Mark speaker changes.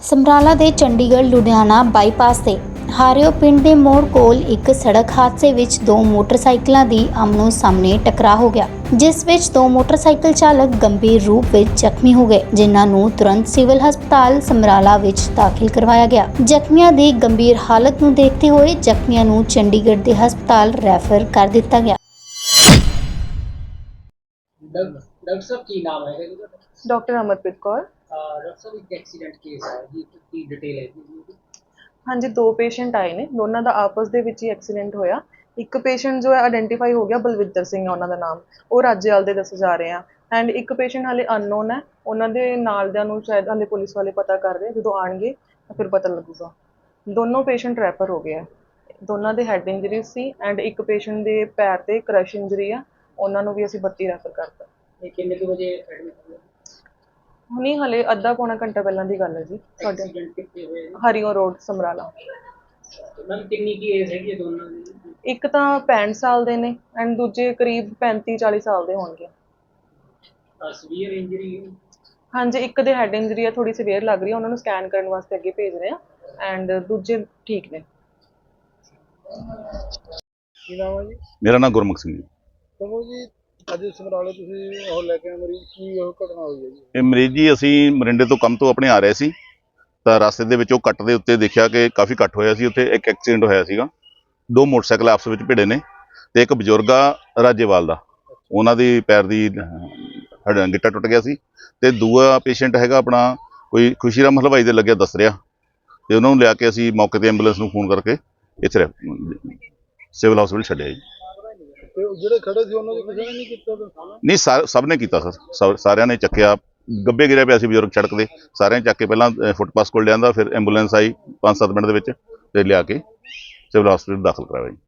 Speaker 1: ਸਮਰਾਲਾ ਦੇ ਚੰਡੀਗੜ੍ਹ ਲੁਧਿਆਣਾ ਬਾਈਪਾਸ ਤੇ ਹਾਰਿਓ ਪਿੰਡ ਦੇ ਮੋੜ ਕੋਲ ਇੱਕ ਸੜਕ ਹਾਦਸੇ ਵਿੱਚ ਦੋ ਮੋਟਰਸਾਈਕਲਾਂ ਦੀ ਆਮਨੋ ਸਾਹਮਣੇ ਟਕਰਾਅ ਹੋ ਗਿਆ, ਜਿਸ ਵਿੱਚ ਦੋ ਮੋਟਰਸਾਈਕਲ ਚਾਲਕ ਗੰਭੀਰ ਰੂਪ ਵਿੱਚ ਜ਼ਖਮੀ ਹੋ ਗਏ, ਜਿਨ੍ਹਾਂ ਨੂੰ ਤੁਰੰਤ ਸਿਵਲ ਹਸਪਤਾਲ ਸਮਰਾਲਾ ਵਿੱਚ ਦਾਖਲ ਕਰਵਾਇਆ ਗਿਆ। ਜ਼ਖਮੀਆਂ ਦੀ ਗੰਭੀਰ ਹਾਲਤ ਨੂੰ ਦੇਖਦੇ ਹੋਏ ਜ਼ਖਮੀਆਂ ਨੂੰ ਚੰਡੀਗੜ੍ਹ ਦੇ ਹਸਪਤਾਲ ਰੈਫਰ ਕਰ ਦਿੱਤਾ ਗਿਆ।
Speaker 2: डॉक्टर साहब की नाम है
Speaker 3: डॉक्टर अमरप्रीत कौर।
Speaker 2: डॉक्टर साहब एक एक्सीडेंट केस है जी की डिटेल है
Speaker 3: हाँ जी, दो पेशेंट आए ने, दोनों का आपस ਦੇ ਵਿੱਚ ਹੀ ਐਕਸੀਡੈਂਟ ਹੋਇਆ। ਇੱਕ ਪੇਸ਼ੈਂਟ ਜੋ ਹੈ ਆਇਡੈਂਟੀਫਾਈ ਹੋ ਗਿਆ, ਬਲਵਿੰਦਰ ਸਿੰਘ ਹੈ ਉਹਨਾਂ ਦਾ ਨਾਮ, ਉਹ ਰਾਜੇਵਾਲ ਦੇ ਦੱਸੇ ਜਾ ਰਹੇ ਆ। ਐਂਡ ਇੱਕ ਪੇਸ਼ੈਂਟ ਹਾਲੇ ਅਨਨੋਨ ਹੈ, ਉਹਨਾਂ ਦੇ ਨਾਲ ਦਿਆਂ ਨੂੰ ਸ਼ਾਇਦ ਹਾਲੇ ਪੁਲਿਸ ਵਾਲੇ ਪਤਾ ਕਰ ਰਹੇ, ਜਦੋਂ ਆਣਗੇ ਤਾਂ ਫਿਰ ਪਤਾ ਲੱਗੂਗਾ। ਦੋਨੋਂ ਪੇਸ਼ੈਂਟ ਰੈਫਰ ਹੋ ਗਏ ਆ, ਦੋਨਾਂ ਦੇ ਹੈਡ ਇੰਜਰੀ ਸੀ ਐਂਡ ਇੱਕ ਪੇਸ਼ੈਂਟ ਦੇ ਪੈਰ ਤੇ ਕ੍ਰਸ਼ ਇੰਜਰੀ ਆ, ਉਹਨਾਂ ਨੂੰ ਵੀ ਅਸੀਂ 32 ਰੈਫਰ ਕਰਤਾ।
Speaker 2: ये कितने के बजे एडमिट हुए?
Speaker 3: ਹੁਣੀ ਹਲੇ ਅੱਧਾ ਪੌਣਾ ਘੰਟਾ ਪਹਿਲਾਂ ਦੀ ਗੱਲ ਹੈ ਜੀ। ਸਾਡੇ
Speaker 2: एक्सीडेंट कितने हुए?
Speaker 3: ਹਰੀਓ ਰੋਡ ਸਮਰਾਲਾ।
Speaker 2: मैम कितनी की एज है ये दोनों की?
Speaker 3: ਇੱਕ ਤਾਂ 65 ਸਾਲ ਦੇ ਨੇ ਐਂਡ ਦੂਜੇ ਕਰੀਬ 35-40 ਸਾਲ ਦੇ ਹੋਣਗੇ।
Speaker 2: Severe injury?
Speaker 3: ਹਾਂਜੀ, ਇੱਕ ਦੇ ਹੈਡ ਇੰਜਰੀ ਆ, ਥੋੜੀ ਸੀਵੀਅਰ ਲੱਗ ਰਹੀ ਹੈ, ਉਹਨਾਂ ਨੂੰ ਸਕੈਨ ਕਰਨ ਵਾਸਤੇ ਅੱਗੇ ਭੇਜ ਰਹੇ ਆ ਐਂਡ ਦੂਜੇ ਠੀਕ ਨੇ।
Speaker 2: ਕੀ ਨਾਮ ਹੈ ਜੀ?
Speaker 4: ਮੇਰਾ ਨਾਮ ਗੁਰਮੁਖ ਸਿੰਘ ਜੀ।
Speaker 2: ਤੁਹਾਨੂੰ ਜੀ ਅੱਜ ਸਮਰਾਲੇ ਤੁਸੀਂ ਉਹ ਲੈ ਕੇ ਆਏ ਮਰੀਜ਼, ਕੀ ਉਹ ਘਟਨਾ ਹੋਈ ਹੈ ਜੀ?
Speaker 4: ਇਹ ਮਰੀਜ਼ ਜੀ ਅਸੀਂ ਮਰਿੰਡੇ ਤੋਂ ਕੰਮ ਤੋਂ ਆਪਣੇ ਆ ਰਹੇ ਸੀ ਤਾਂ ਰਸਤੇ ਦੇ ਵਿੱਚ ਉਹ ਕੱਟ ਦੇ ਉੱਤੇ ਦੇਖਿਆ ਕਿ ਕਾਫੀ ਕੱਟ ਹੋਇਆ ਸੀ, ਉੱਥੇ ਇੱਕ ਐਕਸੀਡੈਂਟ ਹੋਇਆ ਸੀਗਾ। ਦੋ ਮੋਟਰਸਾਈਕਲ ਆਪਸ ਵਿੱਚ ਭਿੜੇ ਨੇ ਤੇ ਇੱਕ ਬਜ਼ੁਰਗ ਆ ਰਾਜੇਵਾਲ ਦਾ, ਉਹਨਾਂ ਦੀ ਪੈਰ ਦੀ ਗਿੱਟਾ ਟੁੱਟ ਗਿਆ ਸੀ ਤੇ ਦੂਆ ਪੇਸ਼ੈਂਟ ਹੈਗਾ ਆਪਣਾ ਕੋਈ ਖੁਸ਼ੀਰਾਮ ਹਲਵਾਈ ਦੇ ਲੱਗਿਆ ਦੱਸ ਰਿਹਾ, ਤੇ ਉਹਨਾਂ ਨੂੰ ਲਿਆ ਕੇ ਅਸੀਂ ਮੌਕੇ ਤੇ ਐਂਬੂਲੈਂਸ ਨੂੰ ਫੋਨ ਕਰਕੇ ਇੱਥੇ ਸਿਵਲ ਹਸਪੀਟਲ ਛੱਡਿਆ ਜੀ।
Speaker 2: ਜਿਹੜੇ ਖੜੇ ਸੀ ਉਹਨਾਂ ਨੇ ਕਿਸੇ ਨੇ ਨਹੀਂ ਕੀਤਾ?
Speaker 4: ਨਹੀਂ ਸਭ ਨੇ ਕੀਤਾ ਸਰ, ਸਾਰਿਆਂ ਨੇ ਚੱਕਿਆ। ਗੱਬੇ ਗਿਰਿਆ ਪਿਆ ਸੀ ਬਜ਼ੁਰਗ ਸੜਕ ਦੇ, ਸਾਰਿਆਂ ਨੇ ਚੱਕ ਕੇ ਪਹਿਲਾਂ ਫੁੱਟਪਾਥ ਕੋਲ ਲਿਆਂਦਾ, ਫਿਰ ਐਂਬੂਲੈਂਸ ਆਈ 5-7 ਮਿੰਟ ਦੇ ਵਿੱਚ ਤੇ ਲਿਆ ਕੇ ਸਿਵਲ ਹਸਪੀਟਲ ਦਾਖਲ ਕਰਾਇਆ ਜੀ।